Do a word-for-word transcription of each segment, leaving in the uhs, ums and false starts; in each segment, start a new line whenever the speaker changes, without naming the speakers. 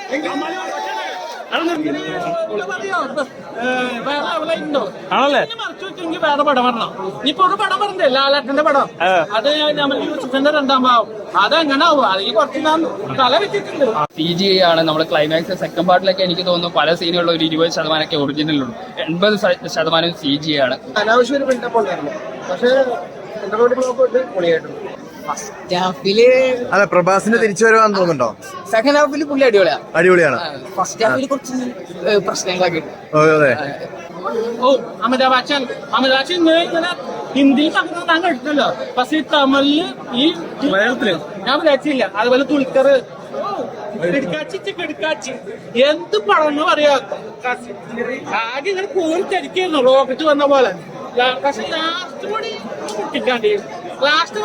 ആണല്ലേ?
വേറെ പടം പറഞ്ഞോ ഇപ്പൊ ഒരു പടം പറഞ്ഞേ ലാലേട്ടന്റെ പടം അത് നമ്മൾ യൂസുഫിന്റെ രണ്ടാം ഭാവം അതെങ്ങനെ ആവും അതിൽ കുറച്ച് നാം തല വെച്ചിട്ടുണ്ട്.
സി ജി ഐ ആണ് നമ്മൾ ക്ലൈമാക്സ് സെക്കൻഡ് പാർട്ടിലൊക്കെ എനിക്ക് തോന്നുന്നു പല സീനുകളിലും ഒരു ഇരുപത് ശതമാനമൊക്കെ ഒറിജിനലുള്ളൂ, എൺപത് ശതമാനം സി ജി ആണ്.
അനാവശ്യം ഒരു ബിൽഡപ്പ് ഉണ്ടായിരുന്നു, പക്ഷേ പൊളിയായിട്ടുണ്ട്.
ഫസ്റ്റ് ഹാഫില്
അതെ, പ്രഭാസിന്റെ തിരിച്ചു വരുവാന്ന് തോന്നുന്നുണ്ടോ?
സെക്കൻഡ് ഹാഫില് പുള്ളി അടിപൊളിയാണ്.
അടിപൊളിയാണ്.
ഫസ്റ്റ് ഹാഫിൽ കുറച്ച് പ്രശ്നങ്ങളൊക്കെ ഉണ്ട്.
അതെ.
ഓ അമിതാഭ് ബച്ചൻ അമിതാഭ് ബച്ചൻ ഇങ്ങനെ ഹിന്ദിയിൽ പറഞ്ഞത് ഞാൻ കേട്ടിട്ടില്ല, പക്ഷെ ഈ തമിഴില് ഈ മലയാളത്തില് ഞാൻ വിചാരിച്ചില്ല. അതുപോലെ തുൽക്കർ കിടക്കാച്ചി കിടക്കാച്ചി എന്ത് പടന്ന് പറയാ, ആകെ ഇങ്ങനെ കോരി തിരിക്കായിരുന്നു റോക്കറ്റ് വന്ന പോലെ. പക്ഷെ ലാസ്റ്റ് കൂടി പൊട്ടിക്കാണ്ടി ലാസ്റ്റ്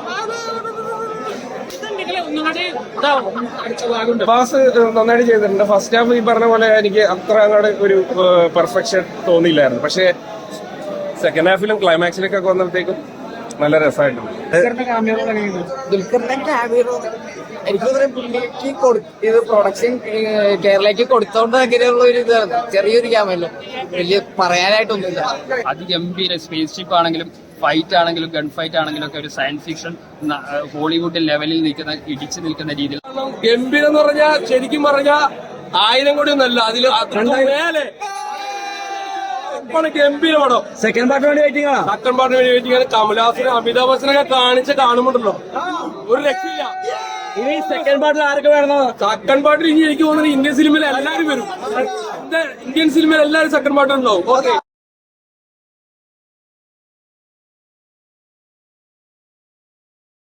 ബാസ് നന്നായിട്ട് ചെയ്തിട്ടുണ്ട്. ഫസ്റ്റ് ഹാഫ് ഈ പറഞ്ഞ പോലെ എനിക്ക് അത്ര അങ്ങോട്ട് ഒരു പെർഫെക്ഷൻ തോന്നിയില്ലായിരുന്നു, പക്ഷെ സെക്കൻഡ് ഹാഫിലും ക്ലൈമാക്സിലൊക്കെ വന്നപ്പോഴത്തേക്കും നല്ല രസമായിട്ടുണ്ട്.
ദുൽഖറിന്റെ ക്യാമിയോ എനിക്ക് പുള്ളിക്ക് ഇത് പ്രൊഡക്ഷൻ കേരളയ്ക്ക് കൊടുത്തോണ്ട് അങ്ങനെയുള്ള ഒരു ഇതാണ്. ചെറിയൊരു ക്യാമല്ലോ, വലിയ പറയാനായിട്ടൊന്നുമില്ല.
അതിഗംഭീര സ്പേസ് ഷിപ്പ് ആണെങ്കിലും ഫൈറ്റ് ആണെങ്കിലും ഗൺ ഫൈറ്റ് ആണെങ്കിലും ഒക്കെ ഒരു സയൻസ് ഫിക്ഷൻ ഹോളിവുഡ് ലെവലിൽ നിൽക്കുന്ന ഇടിച്ചു നിൽക്കുന്ന രീതിയിൽ
ഗംഭീരം എന്ന് പറഞ്ഞാൽ ശരിക്കും പറഞ്ഞാൽ ആയിരം കോടി ഒന്നല്ല, അതിൽ മേലെ ഗംഭീര പടം.
സെക്കൻഡ് പാർട്ടിന് വേണ്ടി വെയിറ്റിംഗ് ആണ്.
സെക്കൻഡ് പാർട്ടിന് വേണ്ടി വെയിറ്റിംഗ് ആണ്. കമലഹാസനെ അമിതാഭ് ബച്ചനൊക്കെ കാണിച്ച് കാണുമ്പോണ്ടല്ലോ ഒരു രക്ഷയില്ല.
ഇനി സെക്കൻഡ് പാർട്ടിൽ ആരൊക്കെ വേണമെന്നോ?
സെക്കൻഡ് പാർട്ടിൽ ഇനി എനിക്ക് തോന്നുന്നത് ഇന്ത്യൻ സിനിമയിൽ എല്ലാവരും വരും. ഇന്ത്യൻ സിനിമയിൽ എല്ലാവരും സെക്കൻഡ് പാർട്ടി ഉണ്ടാവും. ഓക്കെ.